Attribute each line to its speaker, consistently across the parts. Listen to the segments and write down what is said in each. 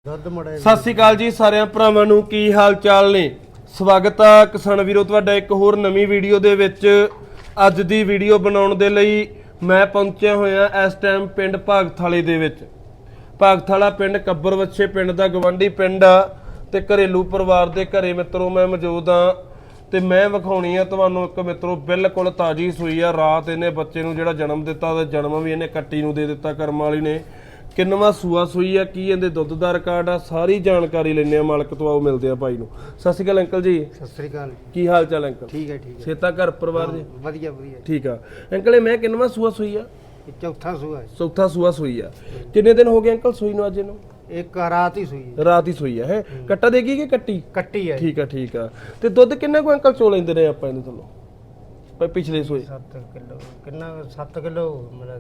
Speaker 1: ਸਤਿ ਸ਼੍ਰੀ ਅਕਾਲ ਜੀ ਸਾਰਿਆਂ ਭਰਾਵਾਂ ਨੂੰ, ਕੀ ਹਾਲ ਚਾਲ ਨੇ। ਸਵਾਗਤ ਆ ਕਿਸਾਨ ਵੀਰੋ ਤੁਹਾਡਾ ਇੱਕ ਹੋਰ ਨਵੀਂ ਵੀਡੀਓ ਦੇ ਵਿੱਚ। ਅੱਜ ਦੀ ਵੀਡੀਓ ਬਣਾਉਣ ਦੇ ਲਈ ਮੈਂ ਪਹੁੰਚਿਆ ਹੋਇਆ ਇਸ ਟਾਈਮ ਪਿੰਡ ਭਾਗਥਾਲੇ ਦੇ ਵਿੱਚ। ਭਾਗਥਾਲਾ ਪਿੰਡ ਕੱਬਰ ਵੱਛੇ ਪਿੰਡ ਦਾ ਗਵਾਂਢੀ ਪਿੰਡ ਆ ਤੇ ਘਰੇਲੂ ਪਰਿਵਾਰ ਦੇ ਘਰੇ ਮਿੱਤਰੋ ਮੈਂ ਮੌਜੂਦ ਆ ਤੇ ਮੈਂ ਵਿਖਾਉਣੀ ਆ ਤੁਹਾਨੂੰ ਇੱਕ ਮਿੱਤਰੋ ਬਿਲਕੁਲ ਤਾਜੀ ਸੂਈ ਆ। ਰਾਤ ਇਹਨੇ ਬੱਚੇ ਨੂੰ ਜਿਹੜਾ ਜਨਮ ਦਿੱਤਾ ਤੇ ਜਨਮ ਵੀ ਇਹਨੇ ਕੱਟੀ ਨੂੰ ਦੇ ਦਿੱਤਾ ਕਰਮ ਵਾਲੀ ਨੇ। ਕਿੰਨਵਾਂ ਸੂਆ ਸੂਈ ਆ, ਕੀ ਇਹਦੇ ਦੁੱਧ ਦਾ ਰਿਕਾਰਡ ਆ, ਸਾਰੀ ਜਾਣਕਾਰੀ ਲੈਣੇ ਆ ਮਾਲਕ ਤੋਂ। ਆਓ ਮਿਲਦੇ ਆ ਭਾਈ ਨੂੰ। ਸਤਿ ਸ਼੍ਰੀ ਅਕਾਲ ਅੰਕਲ ਜੀ।
Speaker 2: ਸਤਿ ਸ੍ਰੀ ਅਕਾਲ।
Speaker 1: ਕੀ ਹਾਲ ਚਾਲ ਅੰਕਲ?
Speaker 2: ਠੀਕ ਹੈ ਠੀਕ ਹੈ।
Speaker 1: ਸੇਤਾ ਘਰ ਪਰਿਵਾਰ ਜੀ
Speaker 2: ਵਧੀਆ ਵਧੀਆ
Speaker 1: ਠੀਕ ਆ ਅੰਕਲ। ਇਹ ਮੈਂ ਕਿੰਨਵਾਂ ਸੂਆ ਸੂਈ ਆ?
Speaker 2: ਇਹ ਚੌਥਾ ਸੂਆ ਹੈ।
Speaker 1: ਚੌਥਾ ਸੂਆ ਸੂਈ ਆ। ਕਿੰਨੇ ਦਿਨ ਹੋ ਗਏ ਅੰਕਲ ਸੂਈ ਨੂੰ ਅੱਜ ਇਹਨੂੰ?
Speaker 2: ਇੱਕ ਰਾਤ ਹੀ ਸੂਈ ਹੈ।
Speaker 1: ਰਾਤ ਹੀ ਸੂਈ ਆ। ਹੈ ਕੱਟਾ ਦੇਗੀ ਕਿ ਕੱਟੀ?
Speaker 2: ਕੱਟੀ ਹੈ।
Speaker 1: ਠੀਕ ਆ। ਤੇ ਦੁੱਧ ਕਿੰਨਾ ਕੋ ਅੰਕਲ ਚੋ ਲੈਂਦੇ ਰਹੇ ਆਪਾਂ ਇਹਦੇ ਤੋਂ ਪਿਛਲੇ ਸੂਏ?
Speaker 2: 7 ਕਿਲੋ ਕਿੰਨਾ 7 ਕਿਲੋ ਮੇਰਾ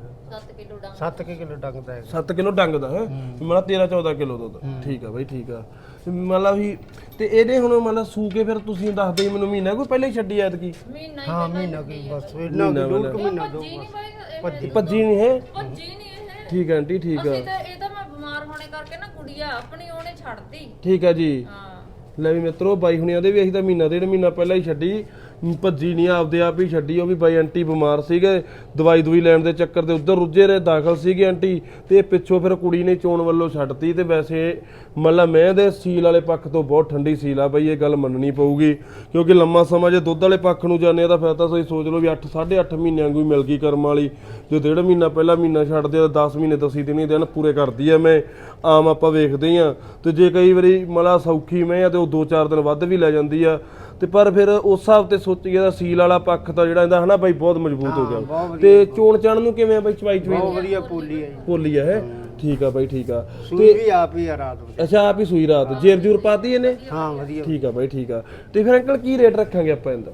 Speaker 2: 7 ਕਿਲੋ ਡੰਗਦਾ ਹੈ।
Speaker 1: 7 ਕਿਲੋ ਡੰਗਦਾ ਹੈ ਮੇਰਾ 13-14 ਕਿਲੋ ਦੁੱਧ। ਠੀਕ ਆ ਬਾਈ ਠੀਕ ਆ। ਮਤਲਬ ਵੀ ਤੇ ਇਹਦੇ ਹੁਣ ਮਤਲਬ ਸੂ ਕੇ ਫਿਰ ਤੁਸੀਂ ਦੱਸਦੇ ਮੈਨੂੰ ਮਹੀਨਾ ਕੋਈ ਪਹਿਲਾਂ ਹੀ ਛੱਡੀ ਐਤਕੀ?
Speaker 2: ਹਾਂ ਮਹੀਨਾ ਕੀ ਬਸ ਇਹਨਾਂ ਡੂਢ ਮਹੀਨਾ ਦੋ
Speaker 1: ਭੱਜੀ ਨਹੀਂ ਹੈ।
Speaker 3: ਭੱਜੀ ਨਹੀਂ ਇਹ।
Speaker 1: ਠੀਕ ਆ ਆਂਟੀ ਠੀਕ ਆ।
Speaker 3: ਇਹ ਤਾਂ ਮੈਂ ਬਿਮਾਰ ਹੋਣੇ ਕਰਕੇ ਨਾ ਕੁੜੀਆ ਆਪਣੀ ਉਹਨੇ ਛੱਡਤੀ।
Speaker 1: ਠੀਕ ਆ ਜੀ।
Speaker 3: ਹਾਂ
Speaker 1: ਲੈ ਵੀ ਮਿੱਤਰੋ ਬਾਈ ਹੁਣਿਆਂ ਦੇ ਵੀ ਅਸੀਂ ਤਾਂ ਮਹੀਨਾ ਡੇਢ ਮਹੀਨਾ ਪਹਿਲਾਂ ਹੀ ਛੱਡੀ। ਭੱਜੀ ਨਹੀਂ ਆਪਦੇ ਆਪ ਹੀ ਛੱਡੀ। ਉਹ ਵੀ ਬਾਈ ਆਂਟੀ ਬਿਮਾਰ ਸੀਗੇ, ਦਵਾਈ ਲੈਣ ਦੇ ਚੱਕਰ ਦੇ ਉੱਧਰ ਰੁੱਝੇ ਰਹੇ, ਦਾਖਲ ਸੀਗੇ ਆਂਟੀ ਤੇ ਪਿੱਛੋਂ ਫਿਰ ਕੁੜੀ ਨੇ ਚੋਣ ਵੱਲੋਂ ਛੱਡਤੀ। ਤੇ ਵੈਸੇ ਮਤਲਬ ਮੈਂ ਦੇ ਸੀਲ ਵਾਲੇ ਪੱਖ ਤੋਂ ਬਹੁਤ ਠੰਡੀ ਸੀਲ ਆ ਬਾਈ, ਇਹ ਗੱਲ ਮੰਨਣੀ ਪਊਗੀ ਕਿਉਂਕਿ ਲੰਮਾ ਸਮਾਂ ਜੇ ਦੁੱਧ ਵਾਲੇ ਪੱਖ ਨੂੰ ਜਾਂਦੇ ਆ ਤਾਂ ਫਿਰ ਤਾਂ ਤੁਸੀਂ ਸੋਚ ਲਓ ਵੀ 8-8.5 ਮਹੀਨਿਆਂ ਕੋਈ ਮਿਲ ਗਈ ਕਰਮ ਵਾਲੀ। ਜੋ ਡੇਢ ਮਹੀਨਾ ਪਹਿਲਾਂ ਮਹੀਨਾ ਛੱਡਦੇ ਆ 10 ਮਹੀਨੇ ਦਸੀਂ ਦਿਨ ਦਿਨ ਪੂਰੇ ਕਰਦੀ ਆ। ਮੈਂ ਆਮ ਆਪਾਂ ਵੇਖਦੇ ਆ ਤੇ ਜੇ ਕਈ ਵਾਰੀ ਮਤਲਬ ਸੌਖੀ ਮੈਂ ਆ ਤੇ ਉਹ 2-4 ਦਿਨ ਵੱਧ ਵੀ ਲੈ ਜਾਂਦੀ ਆ। ਤੇ ਪਰ ਫਿਰ ਉਸ ਹਿਸਾਬ ਤੇ ਸੋਚੀਏ ਤਾਂ ਸੀਲ ਵਾਲਾ ਪੱਖ ਤਾਂ ਜਿਹੜਾ ਇਹਦਾ ਹਨਾ ਬਾਈ ਬਹੁਤ ਮਜ਼ਬੂਤ ਹੋ ਗਿਆ। ਤੇ ਚੋਣ ਚਾਣ ਨੂੰ ਕਿਵੇਂ ਆ ਬਾਈ? ਚਵਾਈ
Speaker 2: ਬਹੁਤ ਵਧੀਆ ਪੋਲੀ ਹੈ ਜੀ।
Speaker 1: ਪੋਲੀ ਆ ਹੈ। ਠੀਕ ਆ ਬਾਈ ਠੀਕ ਆ।
Speaker 2: ਸੂਈ ਵੀ ਆਪ ਹੀ ਆ ਰਾਤ ਨੂੰ।
Speaker 1: ਅੱਛਾ ਆਪ ਹੀ ਸੂਈ ਰਾਤ ਜੇਰ ਜੂਰ ਪਾਤੀ ਇਹਨੇ?
Speaker 2: ਹਾਂ ਵਧੀਆ।
Speaker 1: ਠੀਕ ਆ ਬਾਈ ਠੀਕ ਆ। ਤੇ ਫਿਰ ਅੰਕਲ ਕੀ ਰੇਟ ਰੱਖਾਂਗੇ ਆਪਾਂ ਇਹਦਾ?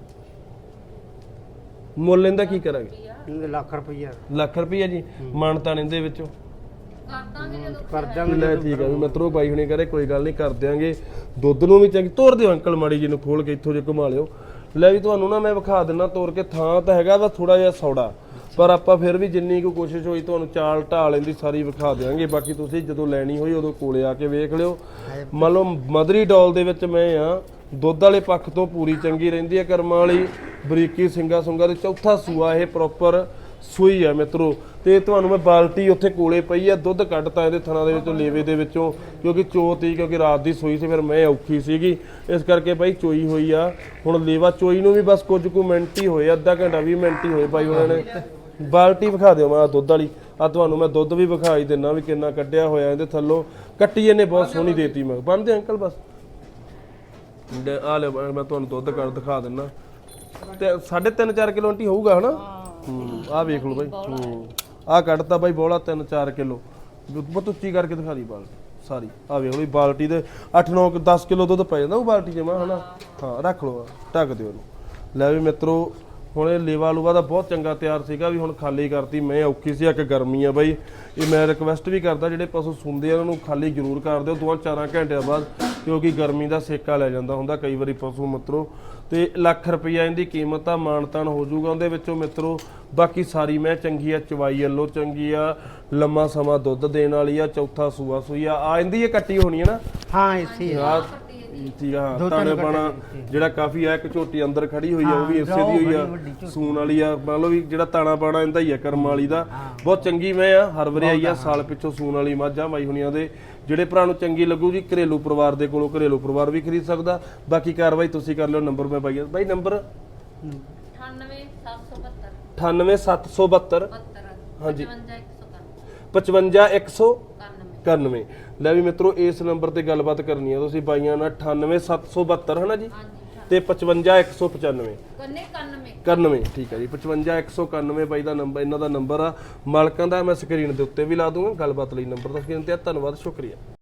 Speaker 1: ਮੁੱਲ ਇਹਦਾ ਕੀ ਕਰਾਂਗੇ?
Speaker 2: ਲੱਖ ਰੁਪਈਆ।
Speaker 1: ਲੱਖ ਰੁਪਈਆ ਜੀ। ਮਾਨਤਾਨ ਇਹਦੇ ਵਿੱਚੋਂ
Speaker 2: ਕਰ ਦਾਂਗੇ।
Speaker 1: ਲੈ ਠੀਕ ਆ ਵੀ ਮਿੱਤਰੋ ਬਾਈ ਹੁਣੇ ਕਰੇ ਕੋਈ ਗੱਲ ਨਹੀਂ ਕਰ ਦਿਆਂਗੇ। ਦੁੱਧ ਨੂੰ ਵੀ ਚੰਗੀ ਤੋਰ ਦਿਓ ਅੰਕਲ, ਮਾੜੀ ਜੀ ਨੂੰ ਖੋਲ ਕੇ ਇੱਥੋਂ ਜੇ ਘੁਮਾ ਲਿਓ। ਲੈ ਵੀ ਤੁਹਾਨੂੰ ਨਾ ਮੈਂ ਵਿਖਾ ਦਿੰਦਾ ਤੋਰ ਕੇ। ਥਾਂ ਤਾਂ ਹੈਗਾ ਵਾ ਥੋੜਾ ਜਿਹਾ ਸੌੜਾ, ਪਰ ਆਪਾਂ ਫਿਰ ਵੀ ਜਿੰਨੀ ਕੁ ਕੋਸ਼ਿਸ਼ ਹੋਈ ਤੁਹਾਨੂੰ ਚਾਲ ਢਾਲ ਇਹਦੀ ਸਾਰੀ ਵਿਖਾ ਦਿਆਂਗੇ। ਬਾਕੀ ਤੁਸੀਂ ਜਦੋਂ ਲੈਣੀ ਹੋਈ ਉਦੋਂ ਕੋਲੇ ਆ ਕੇ ਵੇਖ ਲਿਓ। ਮੰਨ ਲਓ ਮਦਰੀ ਡੋਲ ਦੇ ਵਿੱਚ ਮੈਂ ਆ, ਦੁੱਧ ਵਾਲੇ ਪੱਖ ਤੋਂ ਪੂਰੀ ਚੰਗੀ ਰਹਿੰਦੀ ਹੈ ਕਰਮਾਂ ਵਾਲੀ। ਬਰੀਕੀ ਸਿੰਗਾ ਸੁੰਗਾ ਦੇ ਚੌਥਾ ਸੂਆ ਇਹ ਪ੍ਰੋਪਰ ਸੂਈ ਆ ਮਿੱਤਰੋ। ਤੇ ਤੁਹਾਨੂੰ ਮੈਂ ਬਾਲਟੀ ਉੱਥੇ ਕੋਲੇ ਪਈ ਆ, ਦੁੱਧ ਕੱਢਤਾ ਇਹਦੇ ਥਣਾ ਦੇ ਵਿੱਚੋਂ ਲੇਵੇ ਦੇ ਵਿੱਚੋਂ ਕਿਉਂਕਿ ਚੋਤੀ ਕਿਉਂਕਿ ਰਾਤ ਦੀ ਸੂਈ ਸੀ ਫਿਰ ਮੈਂ ਔਖੀ ਸੀਗੀ ਇਸ ਕਰਕੇ ਬਾਈ ਚੋਈ ਹੋਈ ਆ। ਹੁਣ ਲੇਵਾ ਚੋਈ ਨੂੰ ਵੀ ਬਸ ਕੁਝ ਕੁ ਮਿੰਟ ਹੀ ਹੋਏ, ਅੱਧਾ ਘੰਟਾ 20 ਮਿੰਟ ਹੀ ਹੋਏ ਬਾਈ ਉਹਨਾਂ ਨੇ। ਬਾਲਟੀ ਵਿਖਾ ਦਿਓ ਮੈਂ ਦੁੱਧ ਵਾਲੀ ਆ, ਤੁਹਾਨੂੰ ਮੈਂ ਦੁੱਧ ਵੀ ਵਿਖਾਈ ਦਿੰਨਾ ਵੀ ਕਿੰਨਾ ਕੱਢਿਆ ਹੋਇਆ ਇਹਦੇ ਥੱਲੋਂ। ਕੱਟੀ ਇਹਨੇ ਬਹੁਤ ਸੋਹਣੀ ਦੇਤੀ। ਮੈਂ ਬੰਨਦੇ ਅੰਕਲ ਬਸ ਆ ਲੈ ਮੈਂ ਤੁਹਾਨੂੰ ਦੁੱਧ ਕੱਢ ਦਿਖਾ ਦਿੰਨਾ। ਤੇ 3.5-4 ਕਿਲੋ ਆਂਟੀ ਹੋਊਗਾ ਹਨਾ। ਆਹ ਵੇਖ ਲਓ ਬਾਈ। ਆਹ ਕੱਢਤਾ ਬਾਈ ਬੋਲਾ 3-4 ਕਿਲੋ। ਬਹੁਤ ਉੱਚੀ ਕਰਕੇ ਦਿਖਾ ਦੀ ਬਾਲਟੀ ਸਾਰੀ। ਆਹ ਵੇਖ ਲਓ ਬਾਲਟੀ ਦੇ 8-9-10 ਕਿਲੋ ਦੁੱਧ ਪੈ ਜਾਂਦਾ ਉਹ ਬਾਲਟੀ 'ਚ ਮੈਂ ਹਨਾ। ਹਾਂ ਰੱਖ ਲਓ, ਢੱਕ ਦਿਓ ਇਹਨੂੰ। ਲੈ ਵੀ ਮਿੱਤਰੋ ਹੁਣ ਇਹ ਲੇਵਾ ਲੂਵਾ ਦਾ ਬਹੁਤ ਚੰਗਾ ਤਿਆਰ ਸੀਗਾ ਵੀ ਹੁਣ ਖਾਲੀ ਕਰਤੀ। ਮੈਂ ਔਖੀ ਸੀ, ਇੱਕ ਗਰਮੀ ਆ ਬਾਈ। ਇਹ ਮੈਂ ਰਿਕਵੈਸਟ ਵੀ ਕਰਦਾ ਜਿਹੜੇ ਪਸ਼ੂ ਸੁਣਦੇ ਆ ਉਹਨਾਂ ਨੂੰ ਖਾਲੀ ਜ਼ਰੂਰ ਕਰ ਦਿਓ 2-4 ਘੰਟਿਆਂ ਬਾਅਦ ਕਿਉਂਕਿ ਗਰਮੀ ਦਾ ਸੇਕਾ ਲੈ ਜਾਂਦਾ ਹੁੰਦਾ ਕਈ ਵਾਰੀ ਪਸ਼ੂ ਮਿੱਤਰੋ। ਤੇ ਲੱਖ ਰੁਪਈਆ ਇਹਦੀ ਕੀਮਤ ਆ, ਮਾਨਤਾਨ ਹੋ ਜਾਊਗਾ ਉਹਦੇ ਵਿੱਚੋਂ ਮਿੱਤਰੋ। ਬਾਕੀ ਸਾਰੀ ਮੈਂ ਚੰਗੀ ਆ, ਚਵਾਈ ਵੱਲੋਂ ਚੰਗੀ ਆ, ਲੰਮਾ ਸਮਾਂ ਦੁੱਧ ਦੇਣ ਵਾਲੀ ਆ, ਚੌਥਾ ਸੂਆ ਸੂਈ ਆ ਇਹਦੀ ਇਹ ਕੱਟੀ ਹੋਣੀ ਹੈ ਨਾ?
Speaker 2: ਹਾਂ ਇਸੇ
Speaker 1: ਠੀਕ ਆ। ਤਾਣੇ ਪਾਣਾ ਜਿਹੜਾ ਕਾਫੀ ਆ, ਇੱਕ ਝੋਟੀ ਅੰਦਰ ਖੜੀ ਹੋਈ ਆ ਉਹ ਵੀ ਇਸੇ ਦੀ ਹੋਈ ਆ, ਸੂਣ ਵਾਲੀ ਆ। ਮੰਨ ਲਓ ਵੀ ਜਿਹੜਾ ਤਾਣਾ ਪਾਣਾ ਇਹਦਾ ਹੀ ਆ ਕਰਮ ਵਾਲੀ ਦਾ। ਬਹੁਤ ਚੰਗੀ ਮੈਂ ਆ, ਹਰ ਵਾਰੀ ਆਈ ਆ ਸਾਲ ਪਿੱਛੋਂ ਸੂਣ ਵਾਲੀ ਮੱਝ ਆ ਬਾਈ ਹੁਣੀਆਂ ਦੇ। ਜਿਹੜੇ ਭਰਾ ਨੂੰ ਚੰਗੀ ਲੱਗੂ ਜੀ ਘਰੇਲੂ ਪਰਿਵਾਰ ਦੇ ਕੋਲੋਂ ਘਰੇਲੂ ਪਰਿਵਾਰ ਵੀ ਖਰੀਦ ਸਕਦਾ। ਬਾਕੀ ਕਾਰਵਾਈ ਤੁਸੀਂ ਕਰ ਲਿਓ। ਨੰਬਰ ਮੈਂ ਬਾਈ ਨੰਬਰ 98772 ਹਾਂਜੀ 55191। ਲੈ ਵੀ ਮਿੱਤਰੋ ਇਸ ਨੰਬਰ ਤੇ ਗੱਲਬਾਤ ਕਰਨੀ ਆ ਤੁਸੀਂ ਬਾਈਆਂ ਨਾਲ 98772 ਹੈ ਨਾ ਜੀ ਤੇ 55195 91। ਠੀਕ ਹੈ ਜੀ 55191 ਬਾਈ ਦਾ ਨੰਬਰ ਇਹਨਾਂ ਦਾ ਨੰਬਰ ਆ। ਮਾਲਕਾਂ ਦਾ ਮੈਂ ਸਕਰੀਨ ਦੇ ਉੱਤੇ ਵੀ ਲਾ ਦੂੰਗਾ। ਗੱਲਬਾਤ ਲਈ ਨੰਬਰ ਦਾ ਸਕਰੀਨ ਤੇ। ਧੰਨਵਾਦ, ਸ਼ੁਕਰੀਆ।